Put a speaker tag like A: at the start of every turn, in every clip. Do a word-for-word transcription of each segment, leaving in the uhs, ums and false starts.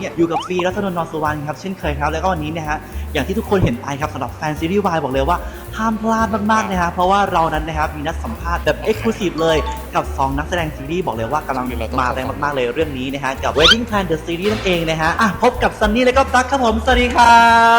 A: เนี่ยอยู่กับฟีรัตนนท์ นรสุวรรณครับเช่นเคยครับแล้วก็วันนี้นะฮะอย่างที่ทุกคนเห็นไปครับสำหรับแฟนซีรีส์วายบอกเลยว่าห้ามพลาดมากๆนะฮะเพราะว่าเรานั้นนะครับมีนัดสัมภาษณ์แบบเอ็กซ์คลูซีฟเลยกับสองนักแสดงซีรีส์บอกเลยว่ากำลังมาแรงมากๆเลยเรื่องนี้นะฮะกับ Wedding Plan The Series นั่นเองนะฮะอ่ะพบกับซันนี่และก็ตั๊กครับผมสวัสดีครับ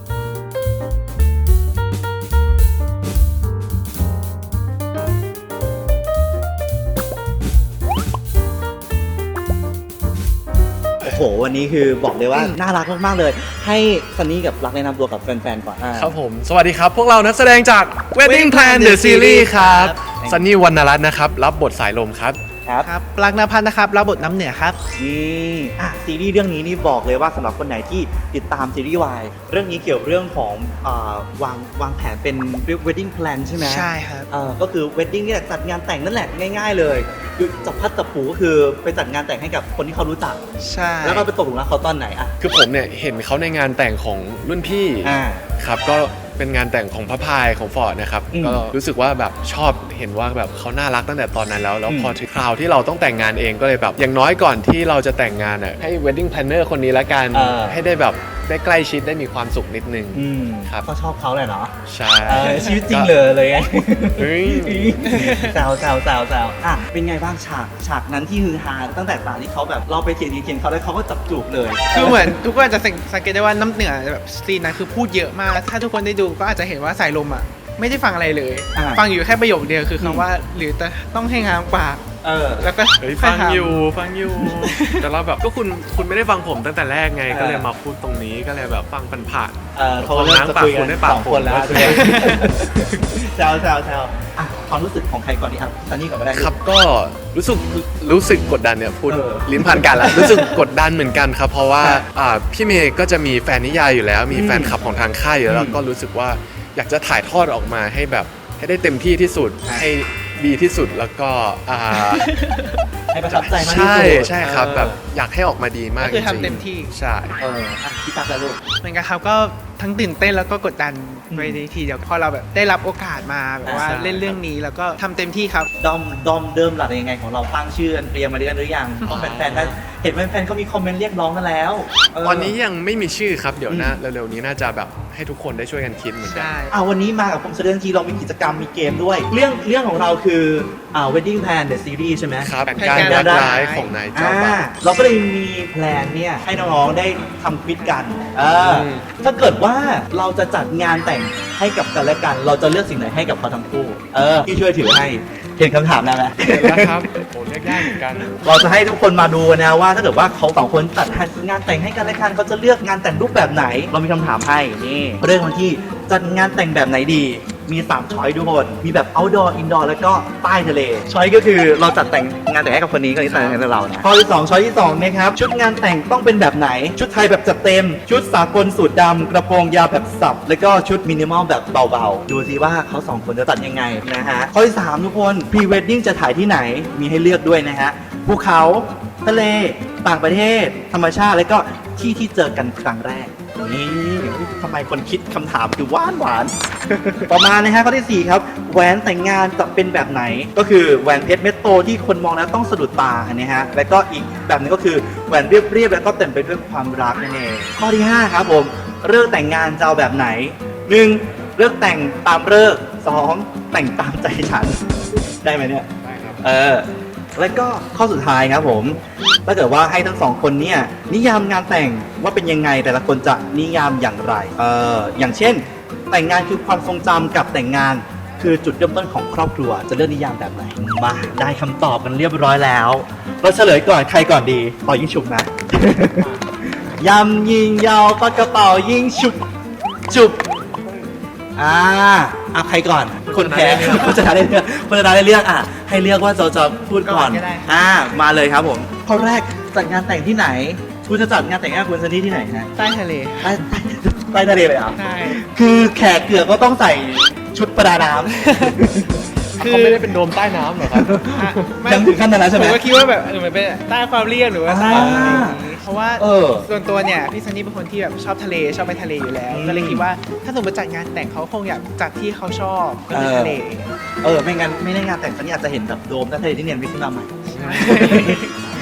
A: โอ้โหวันนี้คือบอกเลยว่าน่ารักมากๆเลยให้ซันนี่กับรักแนะนำตัวกับแฟนๆก่อน
B: ครับผมสวัสดีครับพวกเรานักแสดงจาก Wedding Plan The Series ครับซันนี่วรรณรัตน์นะครับรับบทสายลมครับ
C: ครับครับปลักนภัทรนะครับรับบทน้ำเหนือครับ
A: นี่อ่ะซีรีส์เรื่องนี้นี่บอกเลยว่าสำหรับคนไหนที่ติดตามซีรีส์วายเรื่องนี้เกี่ยวเรื่องของอ่าวางวางแผนเป็น wedding plan ใช่ไหม
C: ใช่ครับ
A: เอ่อก็คือ wedding เนี่ยจัดงานแต่งนั่นแหละง่ายๆเลยคือจับพัดจับผูก็คือไปจัดงานแต่งให้กับคนที่เขารู้จัก
C: ใช่
A: แล้วก็ไปตกหลุมรักเขาตอนไหนอ่ะ
B: คือผมเนี่ยเห็นเขาในงานแต่งของรุ่นพี่
A: อ่า
B: ครับก็เป็นงานแต่งของพระพายของฟอร์ดนะครับก็รู้สึกว่าแบบชอบเห็นว่าแบบเขาน่ารักตั้งแต่ตอนนั้นแล้วแล้วพอถึงคราวที่เราต้องแต่งงานเองก็เลยแบบอย่างน้อยก่อนที่เราจะแต่งงานอ่ะให้ wedding planner คนนี้ละกันให้ได้แบบได้ใกล้ชิดได้มีความสุขนิดนึงครับ
A: ก็ชอบเขาเลยเนาะ
B: ใช่
A: ชีวิตจริงเลยเลยไงแซวแซวแซวแซวอ่ะเป็นไงบ้างฉากฉากนั้นที่ฮือฮาตั้งแต่ตอนที่เขาแบบเราไปเขียนเขียนเขาแล้วเขาก็จับจูบเลย
C: คือเหมือนทุกคนจะสังเกตได้ว่าน้ำเหนือแบบซีนนั้นคือพูดเยอะมากถ้าทุกคนได้ดูก็อาจจะเห็นว่าสายลมอ่ะไม่ได้ฟังอะไรเลยฟังอยู่แค่ประโยคเดียวคือคำว่าหรือจะต้องให้งามปาก
A: เออ
C: แล้วก็
B: ฟังอยู่ฟังอยู่แต่เราแบบก็คุณคุณไม่ได้ฟังผมตั้งแต่แรกไงก็เลยมาพูดตรงนี้ก็เลยแบบฟังเป็นผ่าน
A: เออเขาเริ่มจะคุยกันสองคนแล้วแซวแซวแซวอ่ะความรู้สึกของใครก่อนดีครับซันนี่ก่อนก็ได้
B: ครับก็รู้สึกรู้สึกกดดันเนี่ยพูดลิ้นพันกันแล้วรู้สึกกดดันเหมือนกันครับเพราะว่าพี่เมย์ก็จะมีแฟนนิยายอยู่แล้วมีแฟนคลับของทางค่ายอยู่แล้วก็รู้สึกว่าอยากจะถ่ายทอดออกมาให้แบบให้ได้เต็มที่ที่สุดให้ดีที่สุดแล้วก็
A: ให้ประทับใจมากที่สุด
B: ใช่ใช่ครับแบบอยากให้ออกมาดีมาก
C: ก็คือทำเต็มที่
B: ใช่
A: เออพี่ตั๊กแล้วลูก
C: เหมือนกันครับก็ทั้งตื่นเต้นแล้วก็กดดันไปในทีเดียวพอเราแบบได้รับโอกาสมาแบบว่าเล่นเรื่องนี้แล้วก็ทำเต็มที่ครับ
A: ดอมดอมเดิมหลักยังไงของเราตั้งชื่อเตรียมมาเรียนหรือยังเพราะแฟนๆได้เห็นแฟนๆเขามีคอมเมนต์เรียกร้องกันแล้ว
B: ตอนนี้ยังไม่มีชื่อครับเดี๋ยวนะเร็วๆนี้น่าจะแบบให้ทุกคนได้ช่วยกันคิดเหมือนกัน
A: อ่าวันนี้มากับผมแสดงทีเรามีกิจกรรมมีเกมด้วยเรื่องเรื่องของเราคืออ่า Wedding Plan The Series ใช่ไหม
B: ครับการยักย้ายของนายเจ้าบ่าว
A: เราก็เลยมีแพลนเนี่ยให้น้องๆได้ทำควิซกันเออถ้าเกิดว่าเราจะจัดงานแต่งให้กับกันและกันเราจะเลือกสิ่งไหนให้กับเขาทั้งคู่เออพี่ช่วยถือให้เห็นคำถามแล้วไหม
B: เห็นแล้วครับโอ้เลือกยากเหมือนกัน
A: เราจะให้ทุกคนมาดูนะว่าถ้าเกิดว่าเขาสองคนจัดงานแต่งให้กันและกันเขาจะเลือกงานแต่งรูปแบบไหนเรามีคำถามให้นี่เรื่องที่จัดงานแต่งแบบไหนดีมีสามช้อยทุกคนมีแบบ outdoor indoor แล้วก็ใต้ทะเลช้อยก็คือเราจัดแต่งงานแต่งให้กับคนนี้ก็นี่แต่งให้เรานะข้อที่สองช้อยที่สองนะครับชุดงานแต่งต้องเป็นแบบไหนชุดไทยแบบจัดเต็มชุดสากลสูทดำกระโปรงยาวแบบสับแล้วก็ชุดมินิมอลแบบเบาๆดูสิว่าเขาสองคนจะตัดยังไงนะฮะข้อที่สามทุกคนพรีเวดดิ้งจะถ่ายที่ไหนมีให้เลือกด้วยนะฮะภูเขาทะเลต่างประเทศธรรมชาติแล้วก็ที่ที่เจอกันครั้งแรกนี่ทำไมคนคิดคำถามคือหวานหวานต่อมานะฮะข้อที่สี่ครับแหวนแต่งงานจะเป็นแบบไหนก็คือแหวนเพชรเม็ดโตที่คนมองแล้วต้องสะดุดตานะฮะแล้วก็อีกแบบนึงก็คือแหวนเรียบๆแล้วก็เต็มไปด้วยความรักนั่นเองข้อที่ห้าครับผมเลิกแต่งงานจะเอาแบบไหนหนึ่งเลิกแต่งตามเลิกสองแต่งตามใจฉันได้ไหมเนี่ย
B: ได้ครับ
A: เออแล้วก็ข้อสุดท้ายครับผมถ้าเกิดว่าให้ทั้งสองคนเนี่ยนิยามงานแต่งว่าเป็นยังไงแต่ละคนจะนิยามอย่างไรเอออย่างเช่นแต่งงานคือความทรงจำกับแต่งงานคือจุดเริ่มต้นของครอบครัวจะเลือกนิยามแบบไหนมาได้คำตอบกันเรียบร้อยแล้วเราเฉลยก่อนใครก่อนดีต่อยิงฉุบนะ ยำยิงยาวปากกระเป๋ายิงฉุบจุบอ่าอ่ะใครก่อนคนแพ้คนชนะได้เลือกคนชนะได้เลือกอ่ะให้เลือกว่าจะจะพูดก่อนอ่ามาเลยครับผมข้อแรกจัดงานแต่งที่ไหนคุณจะจัดงานแต่งงานคุณซันนี่ที่ไหนฮะ
C: ใต้ทะเล
A: ใต้ใต้ทะเลเลยอ่ะ
C: ใช่
A: คือแขกเกือกก็ต้องใส่ชุดประดาน้ำ
B: เขาไม่ได้เป็นโดมใต้น้ำหรอครับ
A: ยังถึงขั้นนั้นแล้วใช่ไหม
C: ผมก็คิดว่าแบบเออมันเป็นใต้ความเรียบหรือว่าใต้อะไรอย่างนี้เพราะว่าส่วนตัวเนี่ยพี่ซันนี่เป็นคนที่แบบชอบทะเลชอบไปทะเลอยู่แล้วก็เลยคิดว่าถ้าสมมติจัดงานแต่งเขาคงอยากจัดที่เขาชอบก็คือทะเล
A: เออไม่งั้นไม่ได้งานแต่งซันนี่อาจจะเห็นแบบโดมใต้ทะเลที่เนียนวิขึ้นมาใหม่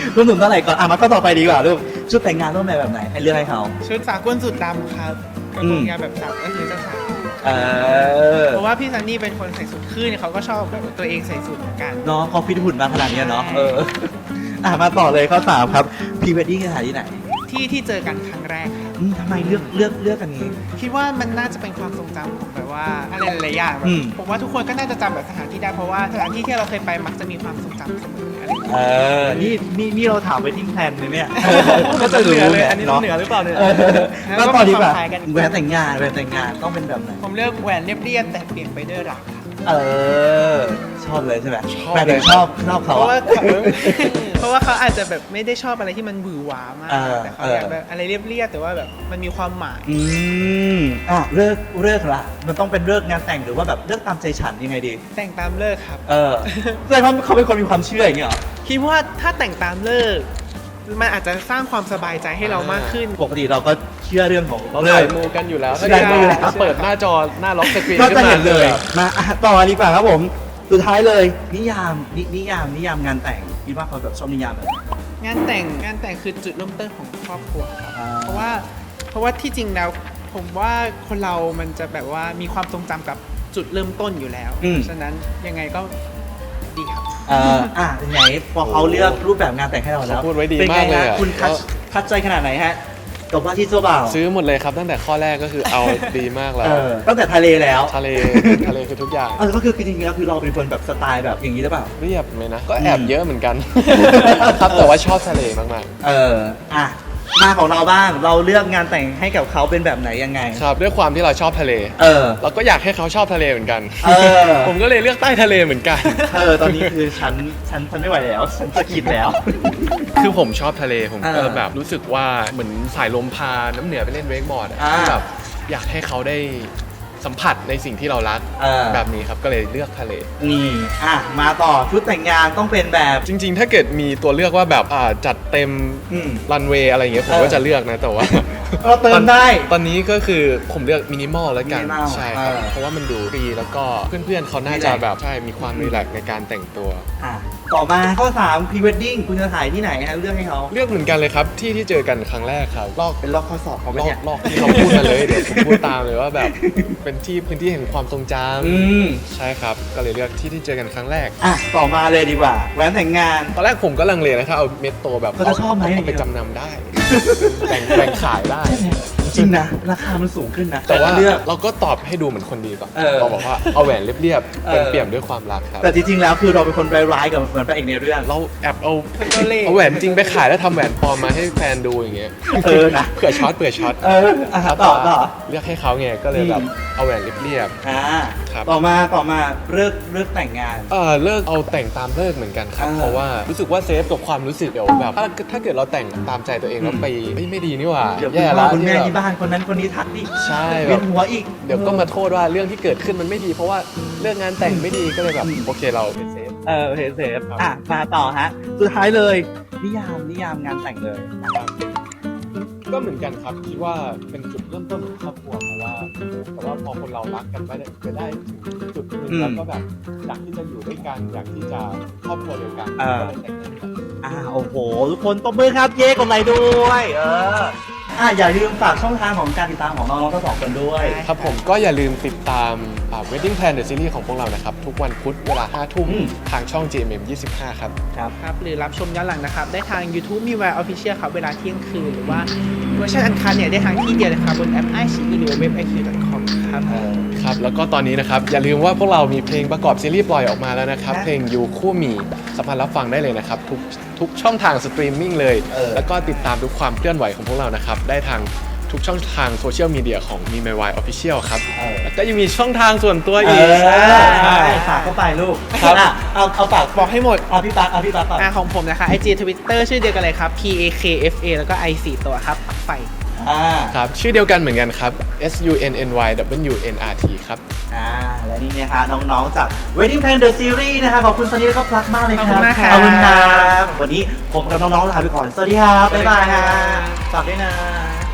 A: รวมถึงเท่าไหร่ก่อนอ่ะมาก็ต่อไปดีกว่าลูกชุดแต่งงานต้องแบบแบบไหนให้เลือกให้เขา
C: ชุดสากลสุดดำครับกระโปรงยาวแบบสาวก็คือเจ้าสาว
A: เออ
C: เพราะว่าพี่ซันนี่เป็นคนใส่สูทขึ้นเขาก็ชอบแบบตัวเองใส่สูทเหมือนกัน
A: เนาะเขาฟิตหุ่นมาขนาดเนี้ยเนาะเอออ่ะมาต่อเลยข้อสามครับพรีเวดดิ้งสถานที่ไหน
C: ที่ที่เจอกันครั้งแรกครับ
A: อืมทำไมเลือกเลือกเลือกกันนี้
C: คิดว่ามันน่าจะเป็นความทรงจำของแบบว่าอะไรหลายๆอย่างแบ
A: อื
C: บ
A: ม
C: ผมว่าทุกคนก็น่าจะจำแบบสถานที่ได้เพราะว่าสถานที่ที่เราเคยไปมักจะมีความทรงจำเสมออะไรอย่างเงี้ย
A: เออนี่นี่นี่เราถามไปทิ้งแทนเลยเนี่ย
C: ก็จะเหนือเลย
A: ไง
C: อันนี้ต้องเหนือหรือเปล่าเนี่ย
A: ออก็ต่อดีกว่า
C: แล้วก็มีความคล้ายกัน
A: แหวนแต่งงานแหวนแต่งงานต้องเป็นแบบไหน
C: ผมเลือกแหวนเรียบๆแต่เปลี่ยนไปด้วยรักครับ
A: เออ ชอบเลยใช่ไหม
B: ชอบ
A: แหวนถึงชอบชอบ
C: เพ
A: เขา
C: ราะว่า
A: อะ
C: เขาเพราะว่าเขาอาจจะแบบไม่ได้ชอบอะไรที่มันหวือหวามาก
A: เออ
C: แต่เขาอยากแบบอะไรเรียบๆแต่ว่าแบบมันมีความหมาย
A: อืมอ่ะเลิกเลิกละมันต้องเป็นเลิกงานแต่งหรือว่าแบบเลิกตามใจฉันยังไงดี
C: แต่งตามเลิกครับ
A: เออแสดงว่าเขาเป็นคนมีความเชื่ออย่างเงี้ยเหรอ
C: คิดว่าถ้าแต่งตามเลิกมันอาจจะสร้างความสบายใจให้เรามากขึ้น
A: ปกติเราก็เชื่อเรื่องของ
B: เรา
A: เลิ
B: ใส่
A: ก
B: มูกันอยู่แล้ว
A: ใช่
B: ถ้าเกิด
A: ใช่
B: ว่าถ้าเปิดหน้าจอหน้าล็อกสกรีน
A: ก็
B: ขึ้
A: จะ
B: นมา
A: เห็นเลย
B: แบบ
A: มาอ่ะต่อดีกว่าครับผม สุดท้ายเลยนิยามนินิยามนิยามงานแต่งคิดว่าเขาแบบชอบนิยามแบบไหน
C: งานแต่งงานแต่งคือจุดเริ่มต้นของครอบครัวครับ
A: อ่า
C: เพราะว่าเพราะว่าที่จริงแล้วผมว่าคนเรามันจะแบบว่ามีความทรงจำกับจุดเริ่มต้นอยู่แล้ว
A: อืม
C: ฉะนั้นยังไงก็ดีครับ
A: เอ่ออ่ะไหนพอเขาเลือกรูปแบบงานแต่งให้เราแล้ว
B: เขาพูดไว้ดี
A: เป็น
B: มา
A: ไง
B: กเลย
A: ฮะ
B: อะ
A: คุณคัดคัดใจขนาดไหนฮะกับว่าที่เจ้าบ่าว
B: ซื้อหมดเลยครับตั้งแต่ข้อแรกก็คือเอาดีมากแล้
A: เอ
B: ว
A: อตั้งแต่ทะเลแล้ว
B: ทะเลทะเลคือทุกอย่าง
A: เออก็คือจริงๆแล้วคือเราเป็นคนแบบสไตล์แบบอย่างนี้หรือเปล่า
B: เรียบไหมนะ ก็แอบเยอะเหมือนกัน ครับแต่ว่าชอบทะเลมาก
A: เอออ่ะมาของเราบ้างเราเลือกงานแต่งให้กับเขาเป็นแบบไหนยังไง
B: ๆ ครับด้วยความที่เราชอบทะเล
A: เออ
B: เราก็อยากให้เขาชอบทะเลเหมือนกัน
A: เออ
B: ผมก็เลยเลือกใต้ทะเลเหมือนกัน
A: เออตอนนี้คือฉันฉันฉันไม่ไหวแล้ว ฉันจะคิดแล้ว
B: คือผมชอบทะเลผมก็
A: เออ
B: แบบรู้สึกว่าเหมือนสายลมพาน้ำเหนือไปเล่นเวกบอร์ดอะ
A: อ่า
B: ที่แบบอยากให้เขาได้สัมผัสในสิ่งที่เรารัก
A: เออ
B: แบบนี้ครับก็เลยเลือกทะเล
A: นี่อ่ะมาต่อชุดแต่งงานต้องเป็นแบบ
B: จริงๆ ถ้าเกิดมีตัวเลือกว่าแบบอ่าจัดเต็ม
A: อืม
B: รันเวย์อะไรอย่างเงี้ยผม
A: เออ
B: ก็จะเลือกนะแต่ว่า
A: เราเติมได้
B: ตอนนี้ก็คือผมเลือกมินิมอลแล้วกัน
A: minimal
B: ใช่ครับ
A: เออ
B: เพราะว่ามันดูฟรีแล้วก็เพื่อนๆเขาน่าจะ
A: relax
B: แบบใช่มีความรีแลกซ์ในการแต่งตัว
A: อ่ะต่อมาข้อสามพรีเวดดิ้งคุณจะถ่ายที่ไหนฮะเลือกให้เขา
B: เลือกเหมือนกันเลยครับที่ที่เจอกันครั้งแรกครับลอก
A: เป็นลอกข้อสอบเขาไหม
B: ลอก
A: เนี่ย
B: ลอกที่เขาพูดมาเลยเดี๋ยวผมพูดตามเลยว่าแบบเป็นที่พื้นที่แห่งความทรงจ
A: อืม
B: ำใช่ครับก็เลยเลือกที่ที่เจอกันครั้งแรก
A: อ่ะต่อมาเลยดีกว่าแหวนแต่งงาน
B: ตอนแรกผมก็ลังเลนะครับเอาเม็ดโตแบบ
A: เขาจะชอบไหม
B: เอาไปจำนำได้ แบ่งแบ่งขายได้
A: จริงนะราคามันสูงขึ้นนะ
B: แต่ว่า
A: เลือก
B: เราก็ตอบให้ดูเหมือนคนดีก่อน
A: เออ
B: เราบอกว่าเอาแหวนเรียบ
A: เอ
B: ๆ
A: อ
B: เป็นเปี่ยมด้วยความรักครับ
A: แต่จริงๆแล้วคือเราเป็นคนร้ายๆกับเหมือนพระเอกในเรื่อง
B: เราแอบเอา
C: เป็นตัวเลข
B: เอาแหวนจริงไปขายแล้วทำแหวนปลอมมาให้แฟนดูอย่างเงี้ย
A: เออนะ
B: เผื่อช็อตเผื่อช็อต
A: เอออ่ะต่อต่อ
B: เลือกให้เขาไงก็เลยแบบ
A: อืม
B: เอาแหวนเรียบ
A: อ่า
B: ครับ
A: ต่อมาต่อมาเลิกเลิกแต่งงาน
B: ๆเออเลิกเอาแต่งตามเลิกเหมือนกันครับ
A: อ่า
B: เพราะว่ารู้สึกว่าเซฟกับความรู้สึกเดี๋ยวแบบถ้าถ้าเกิดเราแต่งตามใจตัวเองแล้วไปเอ้ยไม่ดีนี่หว่า
A: เดี๋ยวคุณ
B: แย่
A: พ่
B: แล้
A: อ
B: ว
A: คุณแม่
B: ที่
A: ที่
B: แบบ
A: บ้านคนนั้นคนนี้ทักดิ
B: ใช่แบ
A: เวีย
B: บ
A: นหัวอีก
B: เดี๋ยวก็มาโทษว่าเรื่องที่เกิดขึ้นมันไม่ดี เพราะว่าเรื่องงานแต่งไม่ดีก็เลยแบบโอเคเราเป็นเซฟ
A: เออเซฟเซฟอ่ะมาต่อฮะสุดท้ายเลยนิยามนิยามงานแต่งเลย
B: ก็เหมือนกันครับคิดว่าเป็นจุดเริ่มต้นของครอบครัวเพราะว่าแต่ว่าพอคนเรารักกันไปได้ไปได้ถึงจุดหนึง
A: อืม
B: แล้วก็แบบอยากที่จะอยู่ด้วยกันอยากที่จะครอบครัวเดียวกัน
A: อ่า
B: ก็เลยแต่งงานกัน
A: อ่าโอ้โห ทุกคนตบมือครับเย่กดไลค์ด้วยเอออ่ะอย่าลืมฝากช่องทางของการติดตามของน้องๆทั้งสองคนด้วย
B: ครับผมก็อย่าลืมติดตามอ่า Wedding Plan The Series ของพวกเรานะครับ ทุกวันพุธเวลาห้าทุ่ม
A: อืม
B: ทางช่อง จี เอ็ม เอ็ม ยี่สิบห้า ครับ
A: ครับ
C: ครับหรือรับชมย้อนหลังนะครับ ได้ทาง YouTube มีแวร์ออฟฟิเชียลครับ เวลาเที่ยงคืน หรือว่าเวอร์ชันอันคันเนี่ย ได้ทางที่เดียวเลยครับ บนแอป ไอ ซี อี หรือเว็บ ไอ คิว ดอท คอม ครับ
A: เออ
B: ครับ แล้วก็ตอนนี้นะครับ อย่าลืมว่าพวกเรามีเพลงประกอบซีรีส์ปล่อยออกมาแล้วนะครับ
A: ครับ
B: เพลงยูคู่มีสามารถรับฟังได้เลยนะครับ ทุกทุกช่องทางสตรีมมิ่งเลย
A: เออ
B: แล้วก็ติดตามทุกความเคลื่อนไหวของพวกเรานะครับ ได้ทางทุกช่องทางโซเชียลมีเดียของมีไมวายออฟฟิเชียลครับ
A: เออ
B: แล้วก็ยังมีช่องทางส่วนตัว
A: เอ
B: อีก
A: อ
B: ใช่
A: ใช่ฝากเข้าไปลูก
B: ครับ
A: อ่ะเอาเอาฝาก
C: บอกให้หมด
A: เอาพี่ปักเอาพี่ปักก่อน
C: อ่าของผมนะคะ ไอ จี Twitter ชื่อเดียวกันเลยครับ P A K F A แล้วก็ I สี่ตัวครับปักไฟ
A: อ่า
B: ครับชื่อเดียวกันเหมือนกันครับ S U N N Y W N R T ครับ
A: อ่าและนี่นะคะน้องๆจาก Wedding Plan The Series นะคะขอบคุณซันนี่และก็พลักมากเลยครับ
C: ขอบคุณมากครับ
A: ขอบคุณครับวันนี้ผมกับน้องๆลาไปก่อนสวัสดีครับบ๊ายบายฮะฝากด้วยนะ